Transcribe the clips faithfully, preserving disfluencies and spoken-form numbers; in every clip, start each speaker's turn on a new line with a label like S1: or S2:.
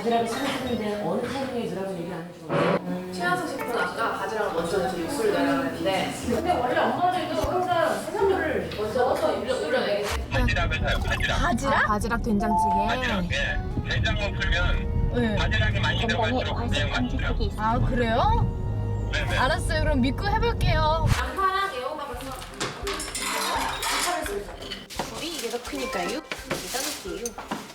S1: 바지락을 삶았는데 어느 타이밍에 넣으라고 얘기 안 해줘.
S2: 최하수 셰프는 아까 바지락을 먼저 넣어서 육수를 내라 그랬는데
S1: 근데 원래 엄마들도 항상 해산물을 먼저 넣어서
S2: 육수를 내게
S3: 바지락을 사요. 바지락.
S4: 바지락? 바지락 된장찌개.
S3: 바지락에 된장만 풀면
S4: 네.
S3: 바지락이 많이 들어갈수록 그냥 맛있어요.
S4: 아 그래요?
S3: 네네.
S4: 알았어요. 그럼 믿고 해볼게요.
S2: 양파랑 애호박을 써.
S5: 불이 이게 더 크니까요. 일단 넣을게요.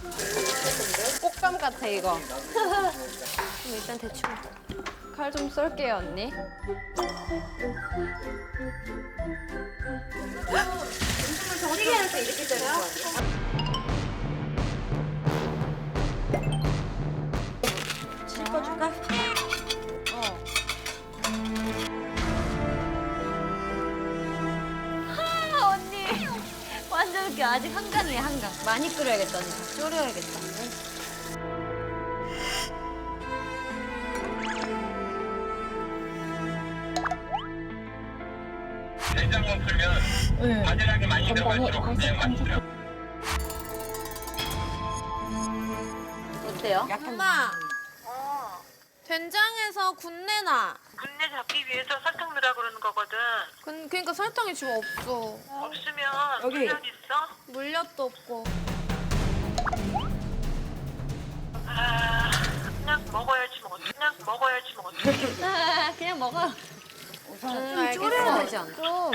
S5: 꽃감 같아 이거. 그럼 일단 대충 칼 좀 썰게요 언니.
S2: 찌개 할 때 이렇게 되는 거 아니야?
S5: 짚어줄까? 어. 하 언니 완전 이렇게 아직 한강이야 한강. 많이 끓여야겠다 언니. 졸여야겠다.
S3: 된장만 풀면
S4: 네.
S3: 바지락이 많이 들어갈수록 그냥 맛있어요.
S5: 어때요?
S2: 엄마. 된장에서 군내나.
S6: 군내 잡기 위해서 설탕 넣으라 그러는 거거든.
S2: 그, 그러니까 설탕이 지금 없어.
S6: 없으면
S5: 여기.
S6: 물엿 있어?
S2: 물엿도 없고.
S6: 아, 그냥 먹어야지 뭐. 그냥 먹어야지 뭐.
S5: 아, 그냥 먹어.
S2: 음,
S5: 졸여야 되지 않나?
S2: 좀.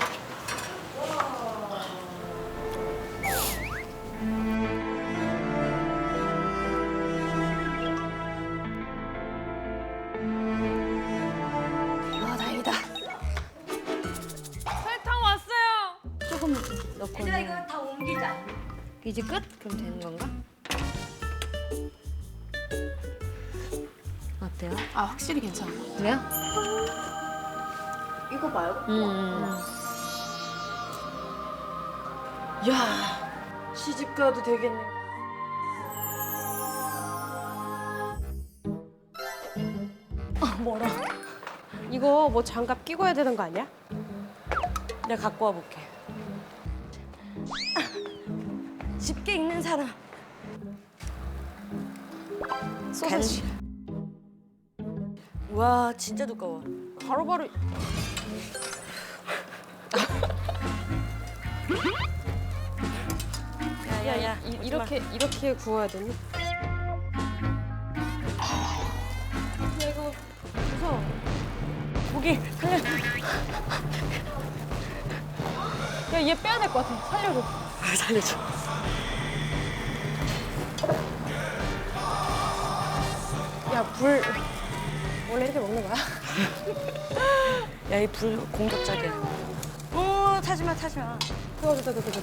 S5: 아 다행이다.
S2: 설탕 왔어요.
S5: 조금 넣고. 얘들아 이거 다 옮기자. 이제 끝? 그럼 되는 건가? 어때요?
S2: 아 확실히 괜찮아.
S5: 그래요?
S2: 이거 말고.
S5: 음.
S2: 야 시집 가도 되겠네.
S7: 이거 뭐 장갑 끼고 해야 되는 거 아니야?
S5: 내가 갖고 와볼게. 집게 있는 사람. 소세지. 와 진짜 두꺼워.
S7: 바로바로
S5: 야야야
S7: 이, 이렇게 이렇게 구워야 되니? 야 이거 무서워.
S5: 고기 살려.
S7: 야얘 빼야 될 것 같아. 살려줘.
S5: 아, 살려줘.
S7: 야 불 원래 이렇게 먹는 거야?
S5: 야 이 불 공격적이야. 오 타지마 타지마.
S7: 그거 그거 그거 그거.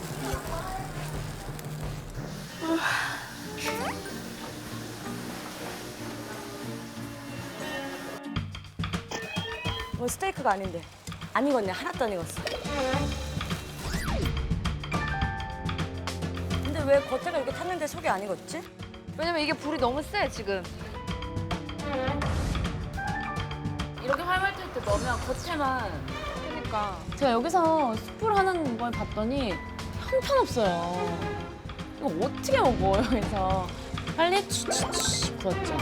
S5: 뭐 스테이크가 아닌데. 안 익었네. 하나도 안 익었어. 근데 왜 겉에가 이렇게 탔는데 속이 안 익었지?
S2: 왜냐면 이게 불이 너무 세 지금. 이렇게 활발할 때 넣으면 겉에만. 그러니까.
S8: 제가 여기서 숯불 하는 걸 봤더니 형편없어요. 이거 어떻게 먹어요? 그래서 빨리 추추추 구웠죠.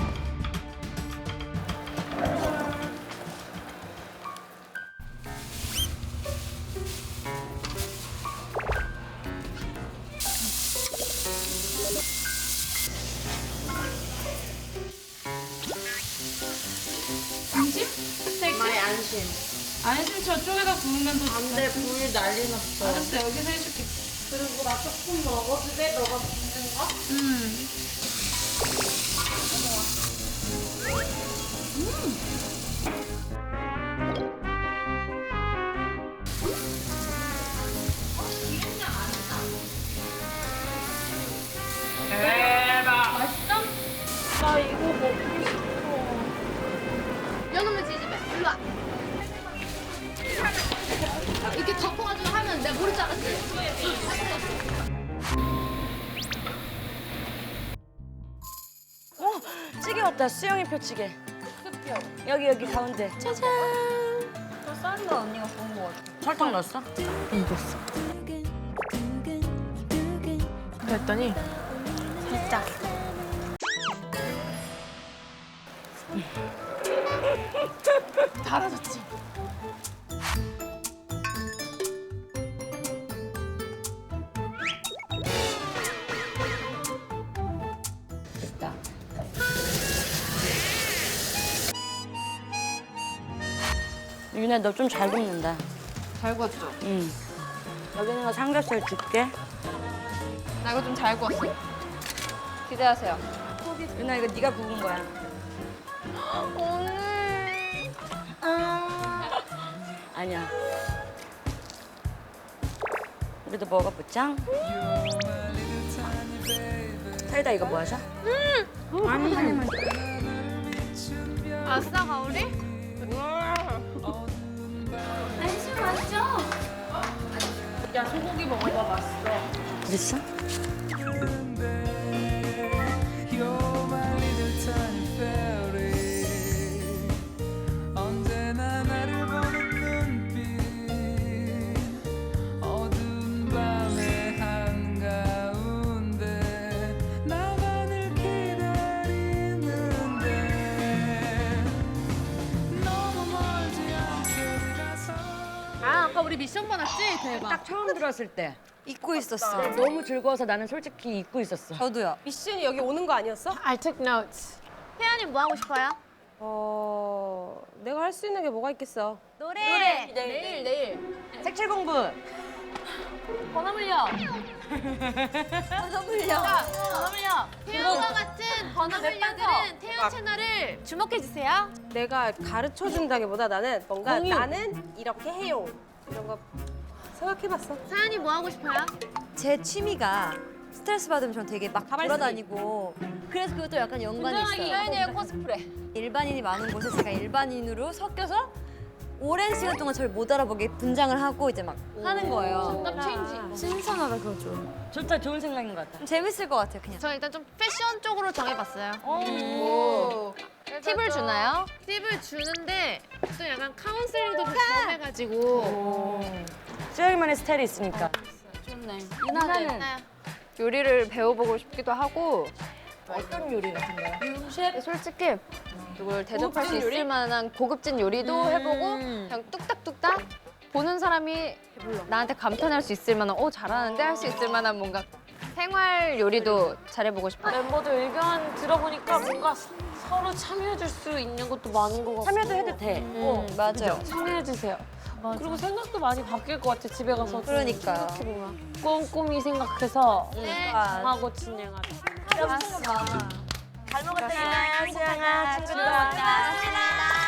S2: 많이 안심.
S8: 안심 저쪽에다 구우면 더
S2: 안돼 불 난리 났어.
S8: 알았어, 여기서 해줄게.
S2: 그리고 나 조금 먹어도 돼? 너가 붓는 거?
S8: 음.
S2: 나 이거 먹고 싶어. 연우면 지집에 일로 와. 이렇게 덮어가지고 하면 내가 모를 줄 알았지?
S5: 어 찌개 왔다. 수영이표 찌개. 여기 여기 가운데. 짜잔.
S2: 더 싼다 언니가 구운 거 같아.
S5: 설탕 넣었어?
S7: 그랬더니
S2: 진짜.
S4: 달아졌지.
S8: 됐다. 윤아, 너 좀 잘 굽는다.
S5: 잘 구웠죠?
S8: 응. 여기 있는 거 삼겹살 줄게.
S5: 나 이거 좀 잘 구웠어. 기대하세요.
S8: 윤아, 이거 네가 구운 거야.
S5: 오늘
S8: 아니야. 우리도 먹어보자. 사이다 이거 뭐 하셔?
S5: 아싸 가오리?
S4: 야 소고기 먹어봐 맛있어.
S8: 그랬어?
S9: 언제나 나를 보는 눈빛 어두운 밤의 한가운데 나만을 기다리는데 너무 멀지 않게 가서
S4: 아 아까 우리 미션 받았지? 대박.
S8: 딱 처음 들었을 때
S5: 잊고 있었어.
S8: 너무 즐거워서 나는 솔직히 잊고 있었어.
S5: 저도요.
S7: 미션이 여기 오는 거 아니었어?
S4: I took notes.
S2: 태연이 뭐 하고 싶어요?
S7: 어, 내가 할 수 있는 게 뭐가 있겠어?
S2: 노래.
S4: 내일 내일.
S8: 색칠 공부.
S2: 번호 물려. 번호 물려. 번호 물려. 태연과 같은 번호 물려들은 태연 채널을 주목해 주세요.
S7: 내가 가르쳐 준다기보다 나는 뭔가
S8: 공유.
S7: 나는 이렇게 해요. 이런 거 생각해봤어.
S2: 사연이 뭐 하고 싶어요?
S5: 제 취미가 스트레스 받으면 전 되게 막 돌아다니고 그래서 그것도 약간 연관이 있어요.
S2: 사연이의 코스프레.
S5: 일반인이 많은 곳에 제가 일반인으로 섞여서 오랜 시간 동안 저를 못 알아보게 분장을 하고 이제 막 하는 거예요.
S2: 정답 체인지.
S5: 신선하다 그거 좀.
S8: 좋다, 좋은 생각인 것 같아.
S5: 좀 재밌을 것 같아요 그냥.
S2: 저 일단 좀 패션 쪽으로 정해봤어요.
S4: 오.
S2: 팁을 주나요? 팁을 주는데 또 약간 카운슬링도 경험해가지고
S8: 수영이만의 스타일이 있으니까.
S2: 좋네.
S8: 유나는
S5: 요리를 배워보고 싶기도 하고
S8: 어떤 요리 같은 거요?
S5: 솔직히 누굴 대접할 수 있을 만한 고급진 요리도 해보고 그냥 뚝딱뚝딱 보는 사람이 나한테 감탄할 수 있을 만한 어 잘하는데 할 수 있을 만한 뭔가 생활 요리도 잘해보고 싶어요.
S8: 멤버들 의견 들어보니까 뭔가 서로 참여해줄 수 있는 것도 많은 것 같고. 참여도 해도 돼.
S5: 어, 맞아요.
S8: 참여해주세요. 그리고 생각도 많이 바뀔 것 같아, 집에 가서.
S5: 그러니까요.
S8: 꼼꼼히 생각해서
S2: 네.
S8: 하고 진행하자.
S5: 잘 먹었다.
S8: 수영아, 친구들.
S2: 고맙습니다.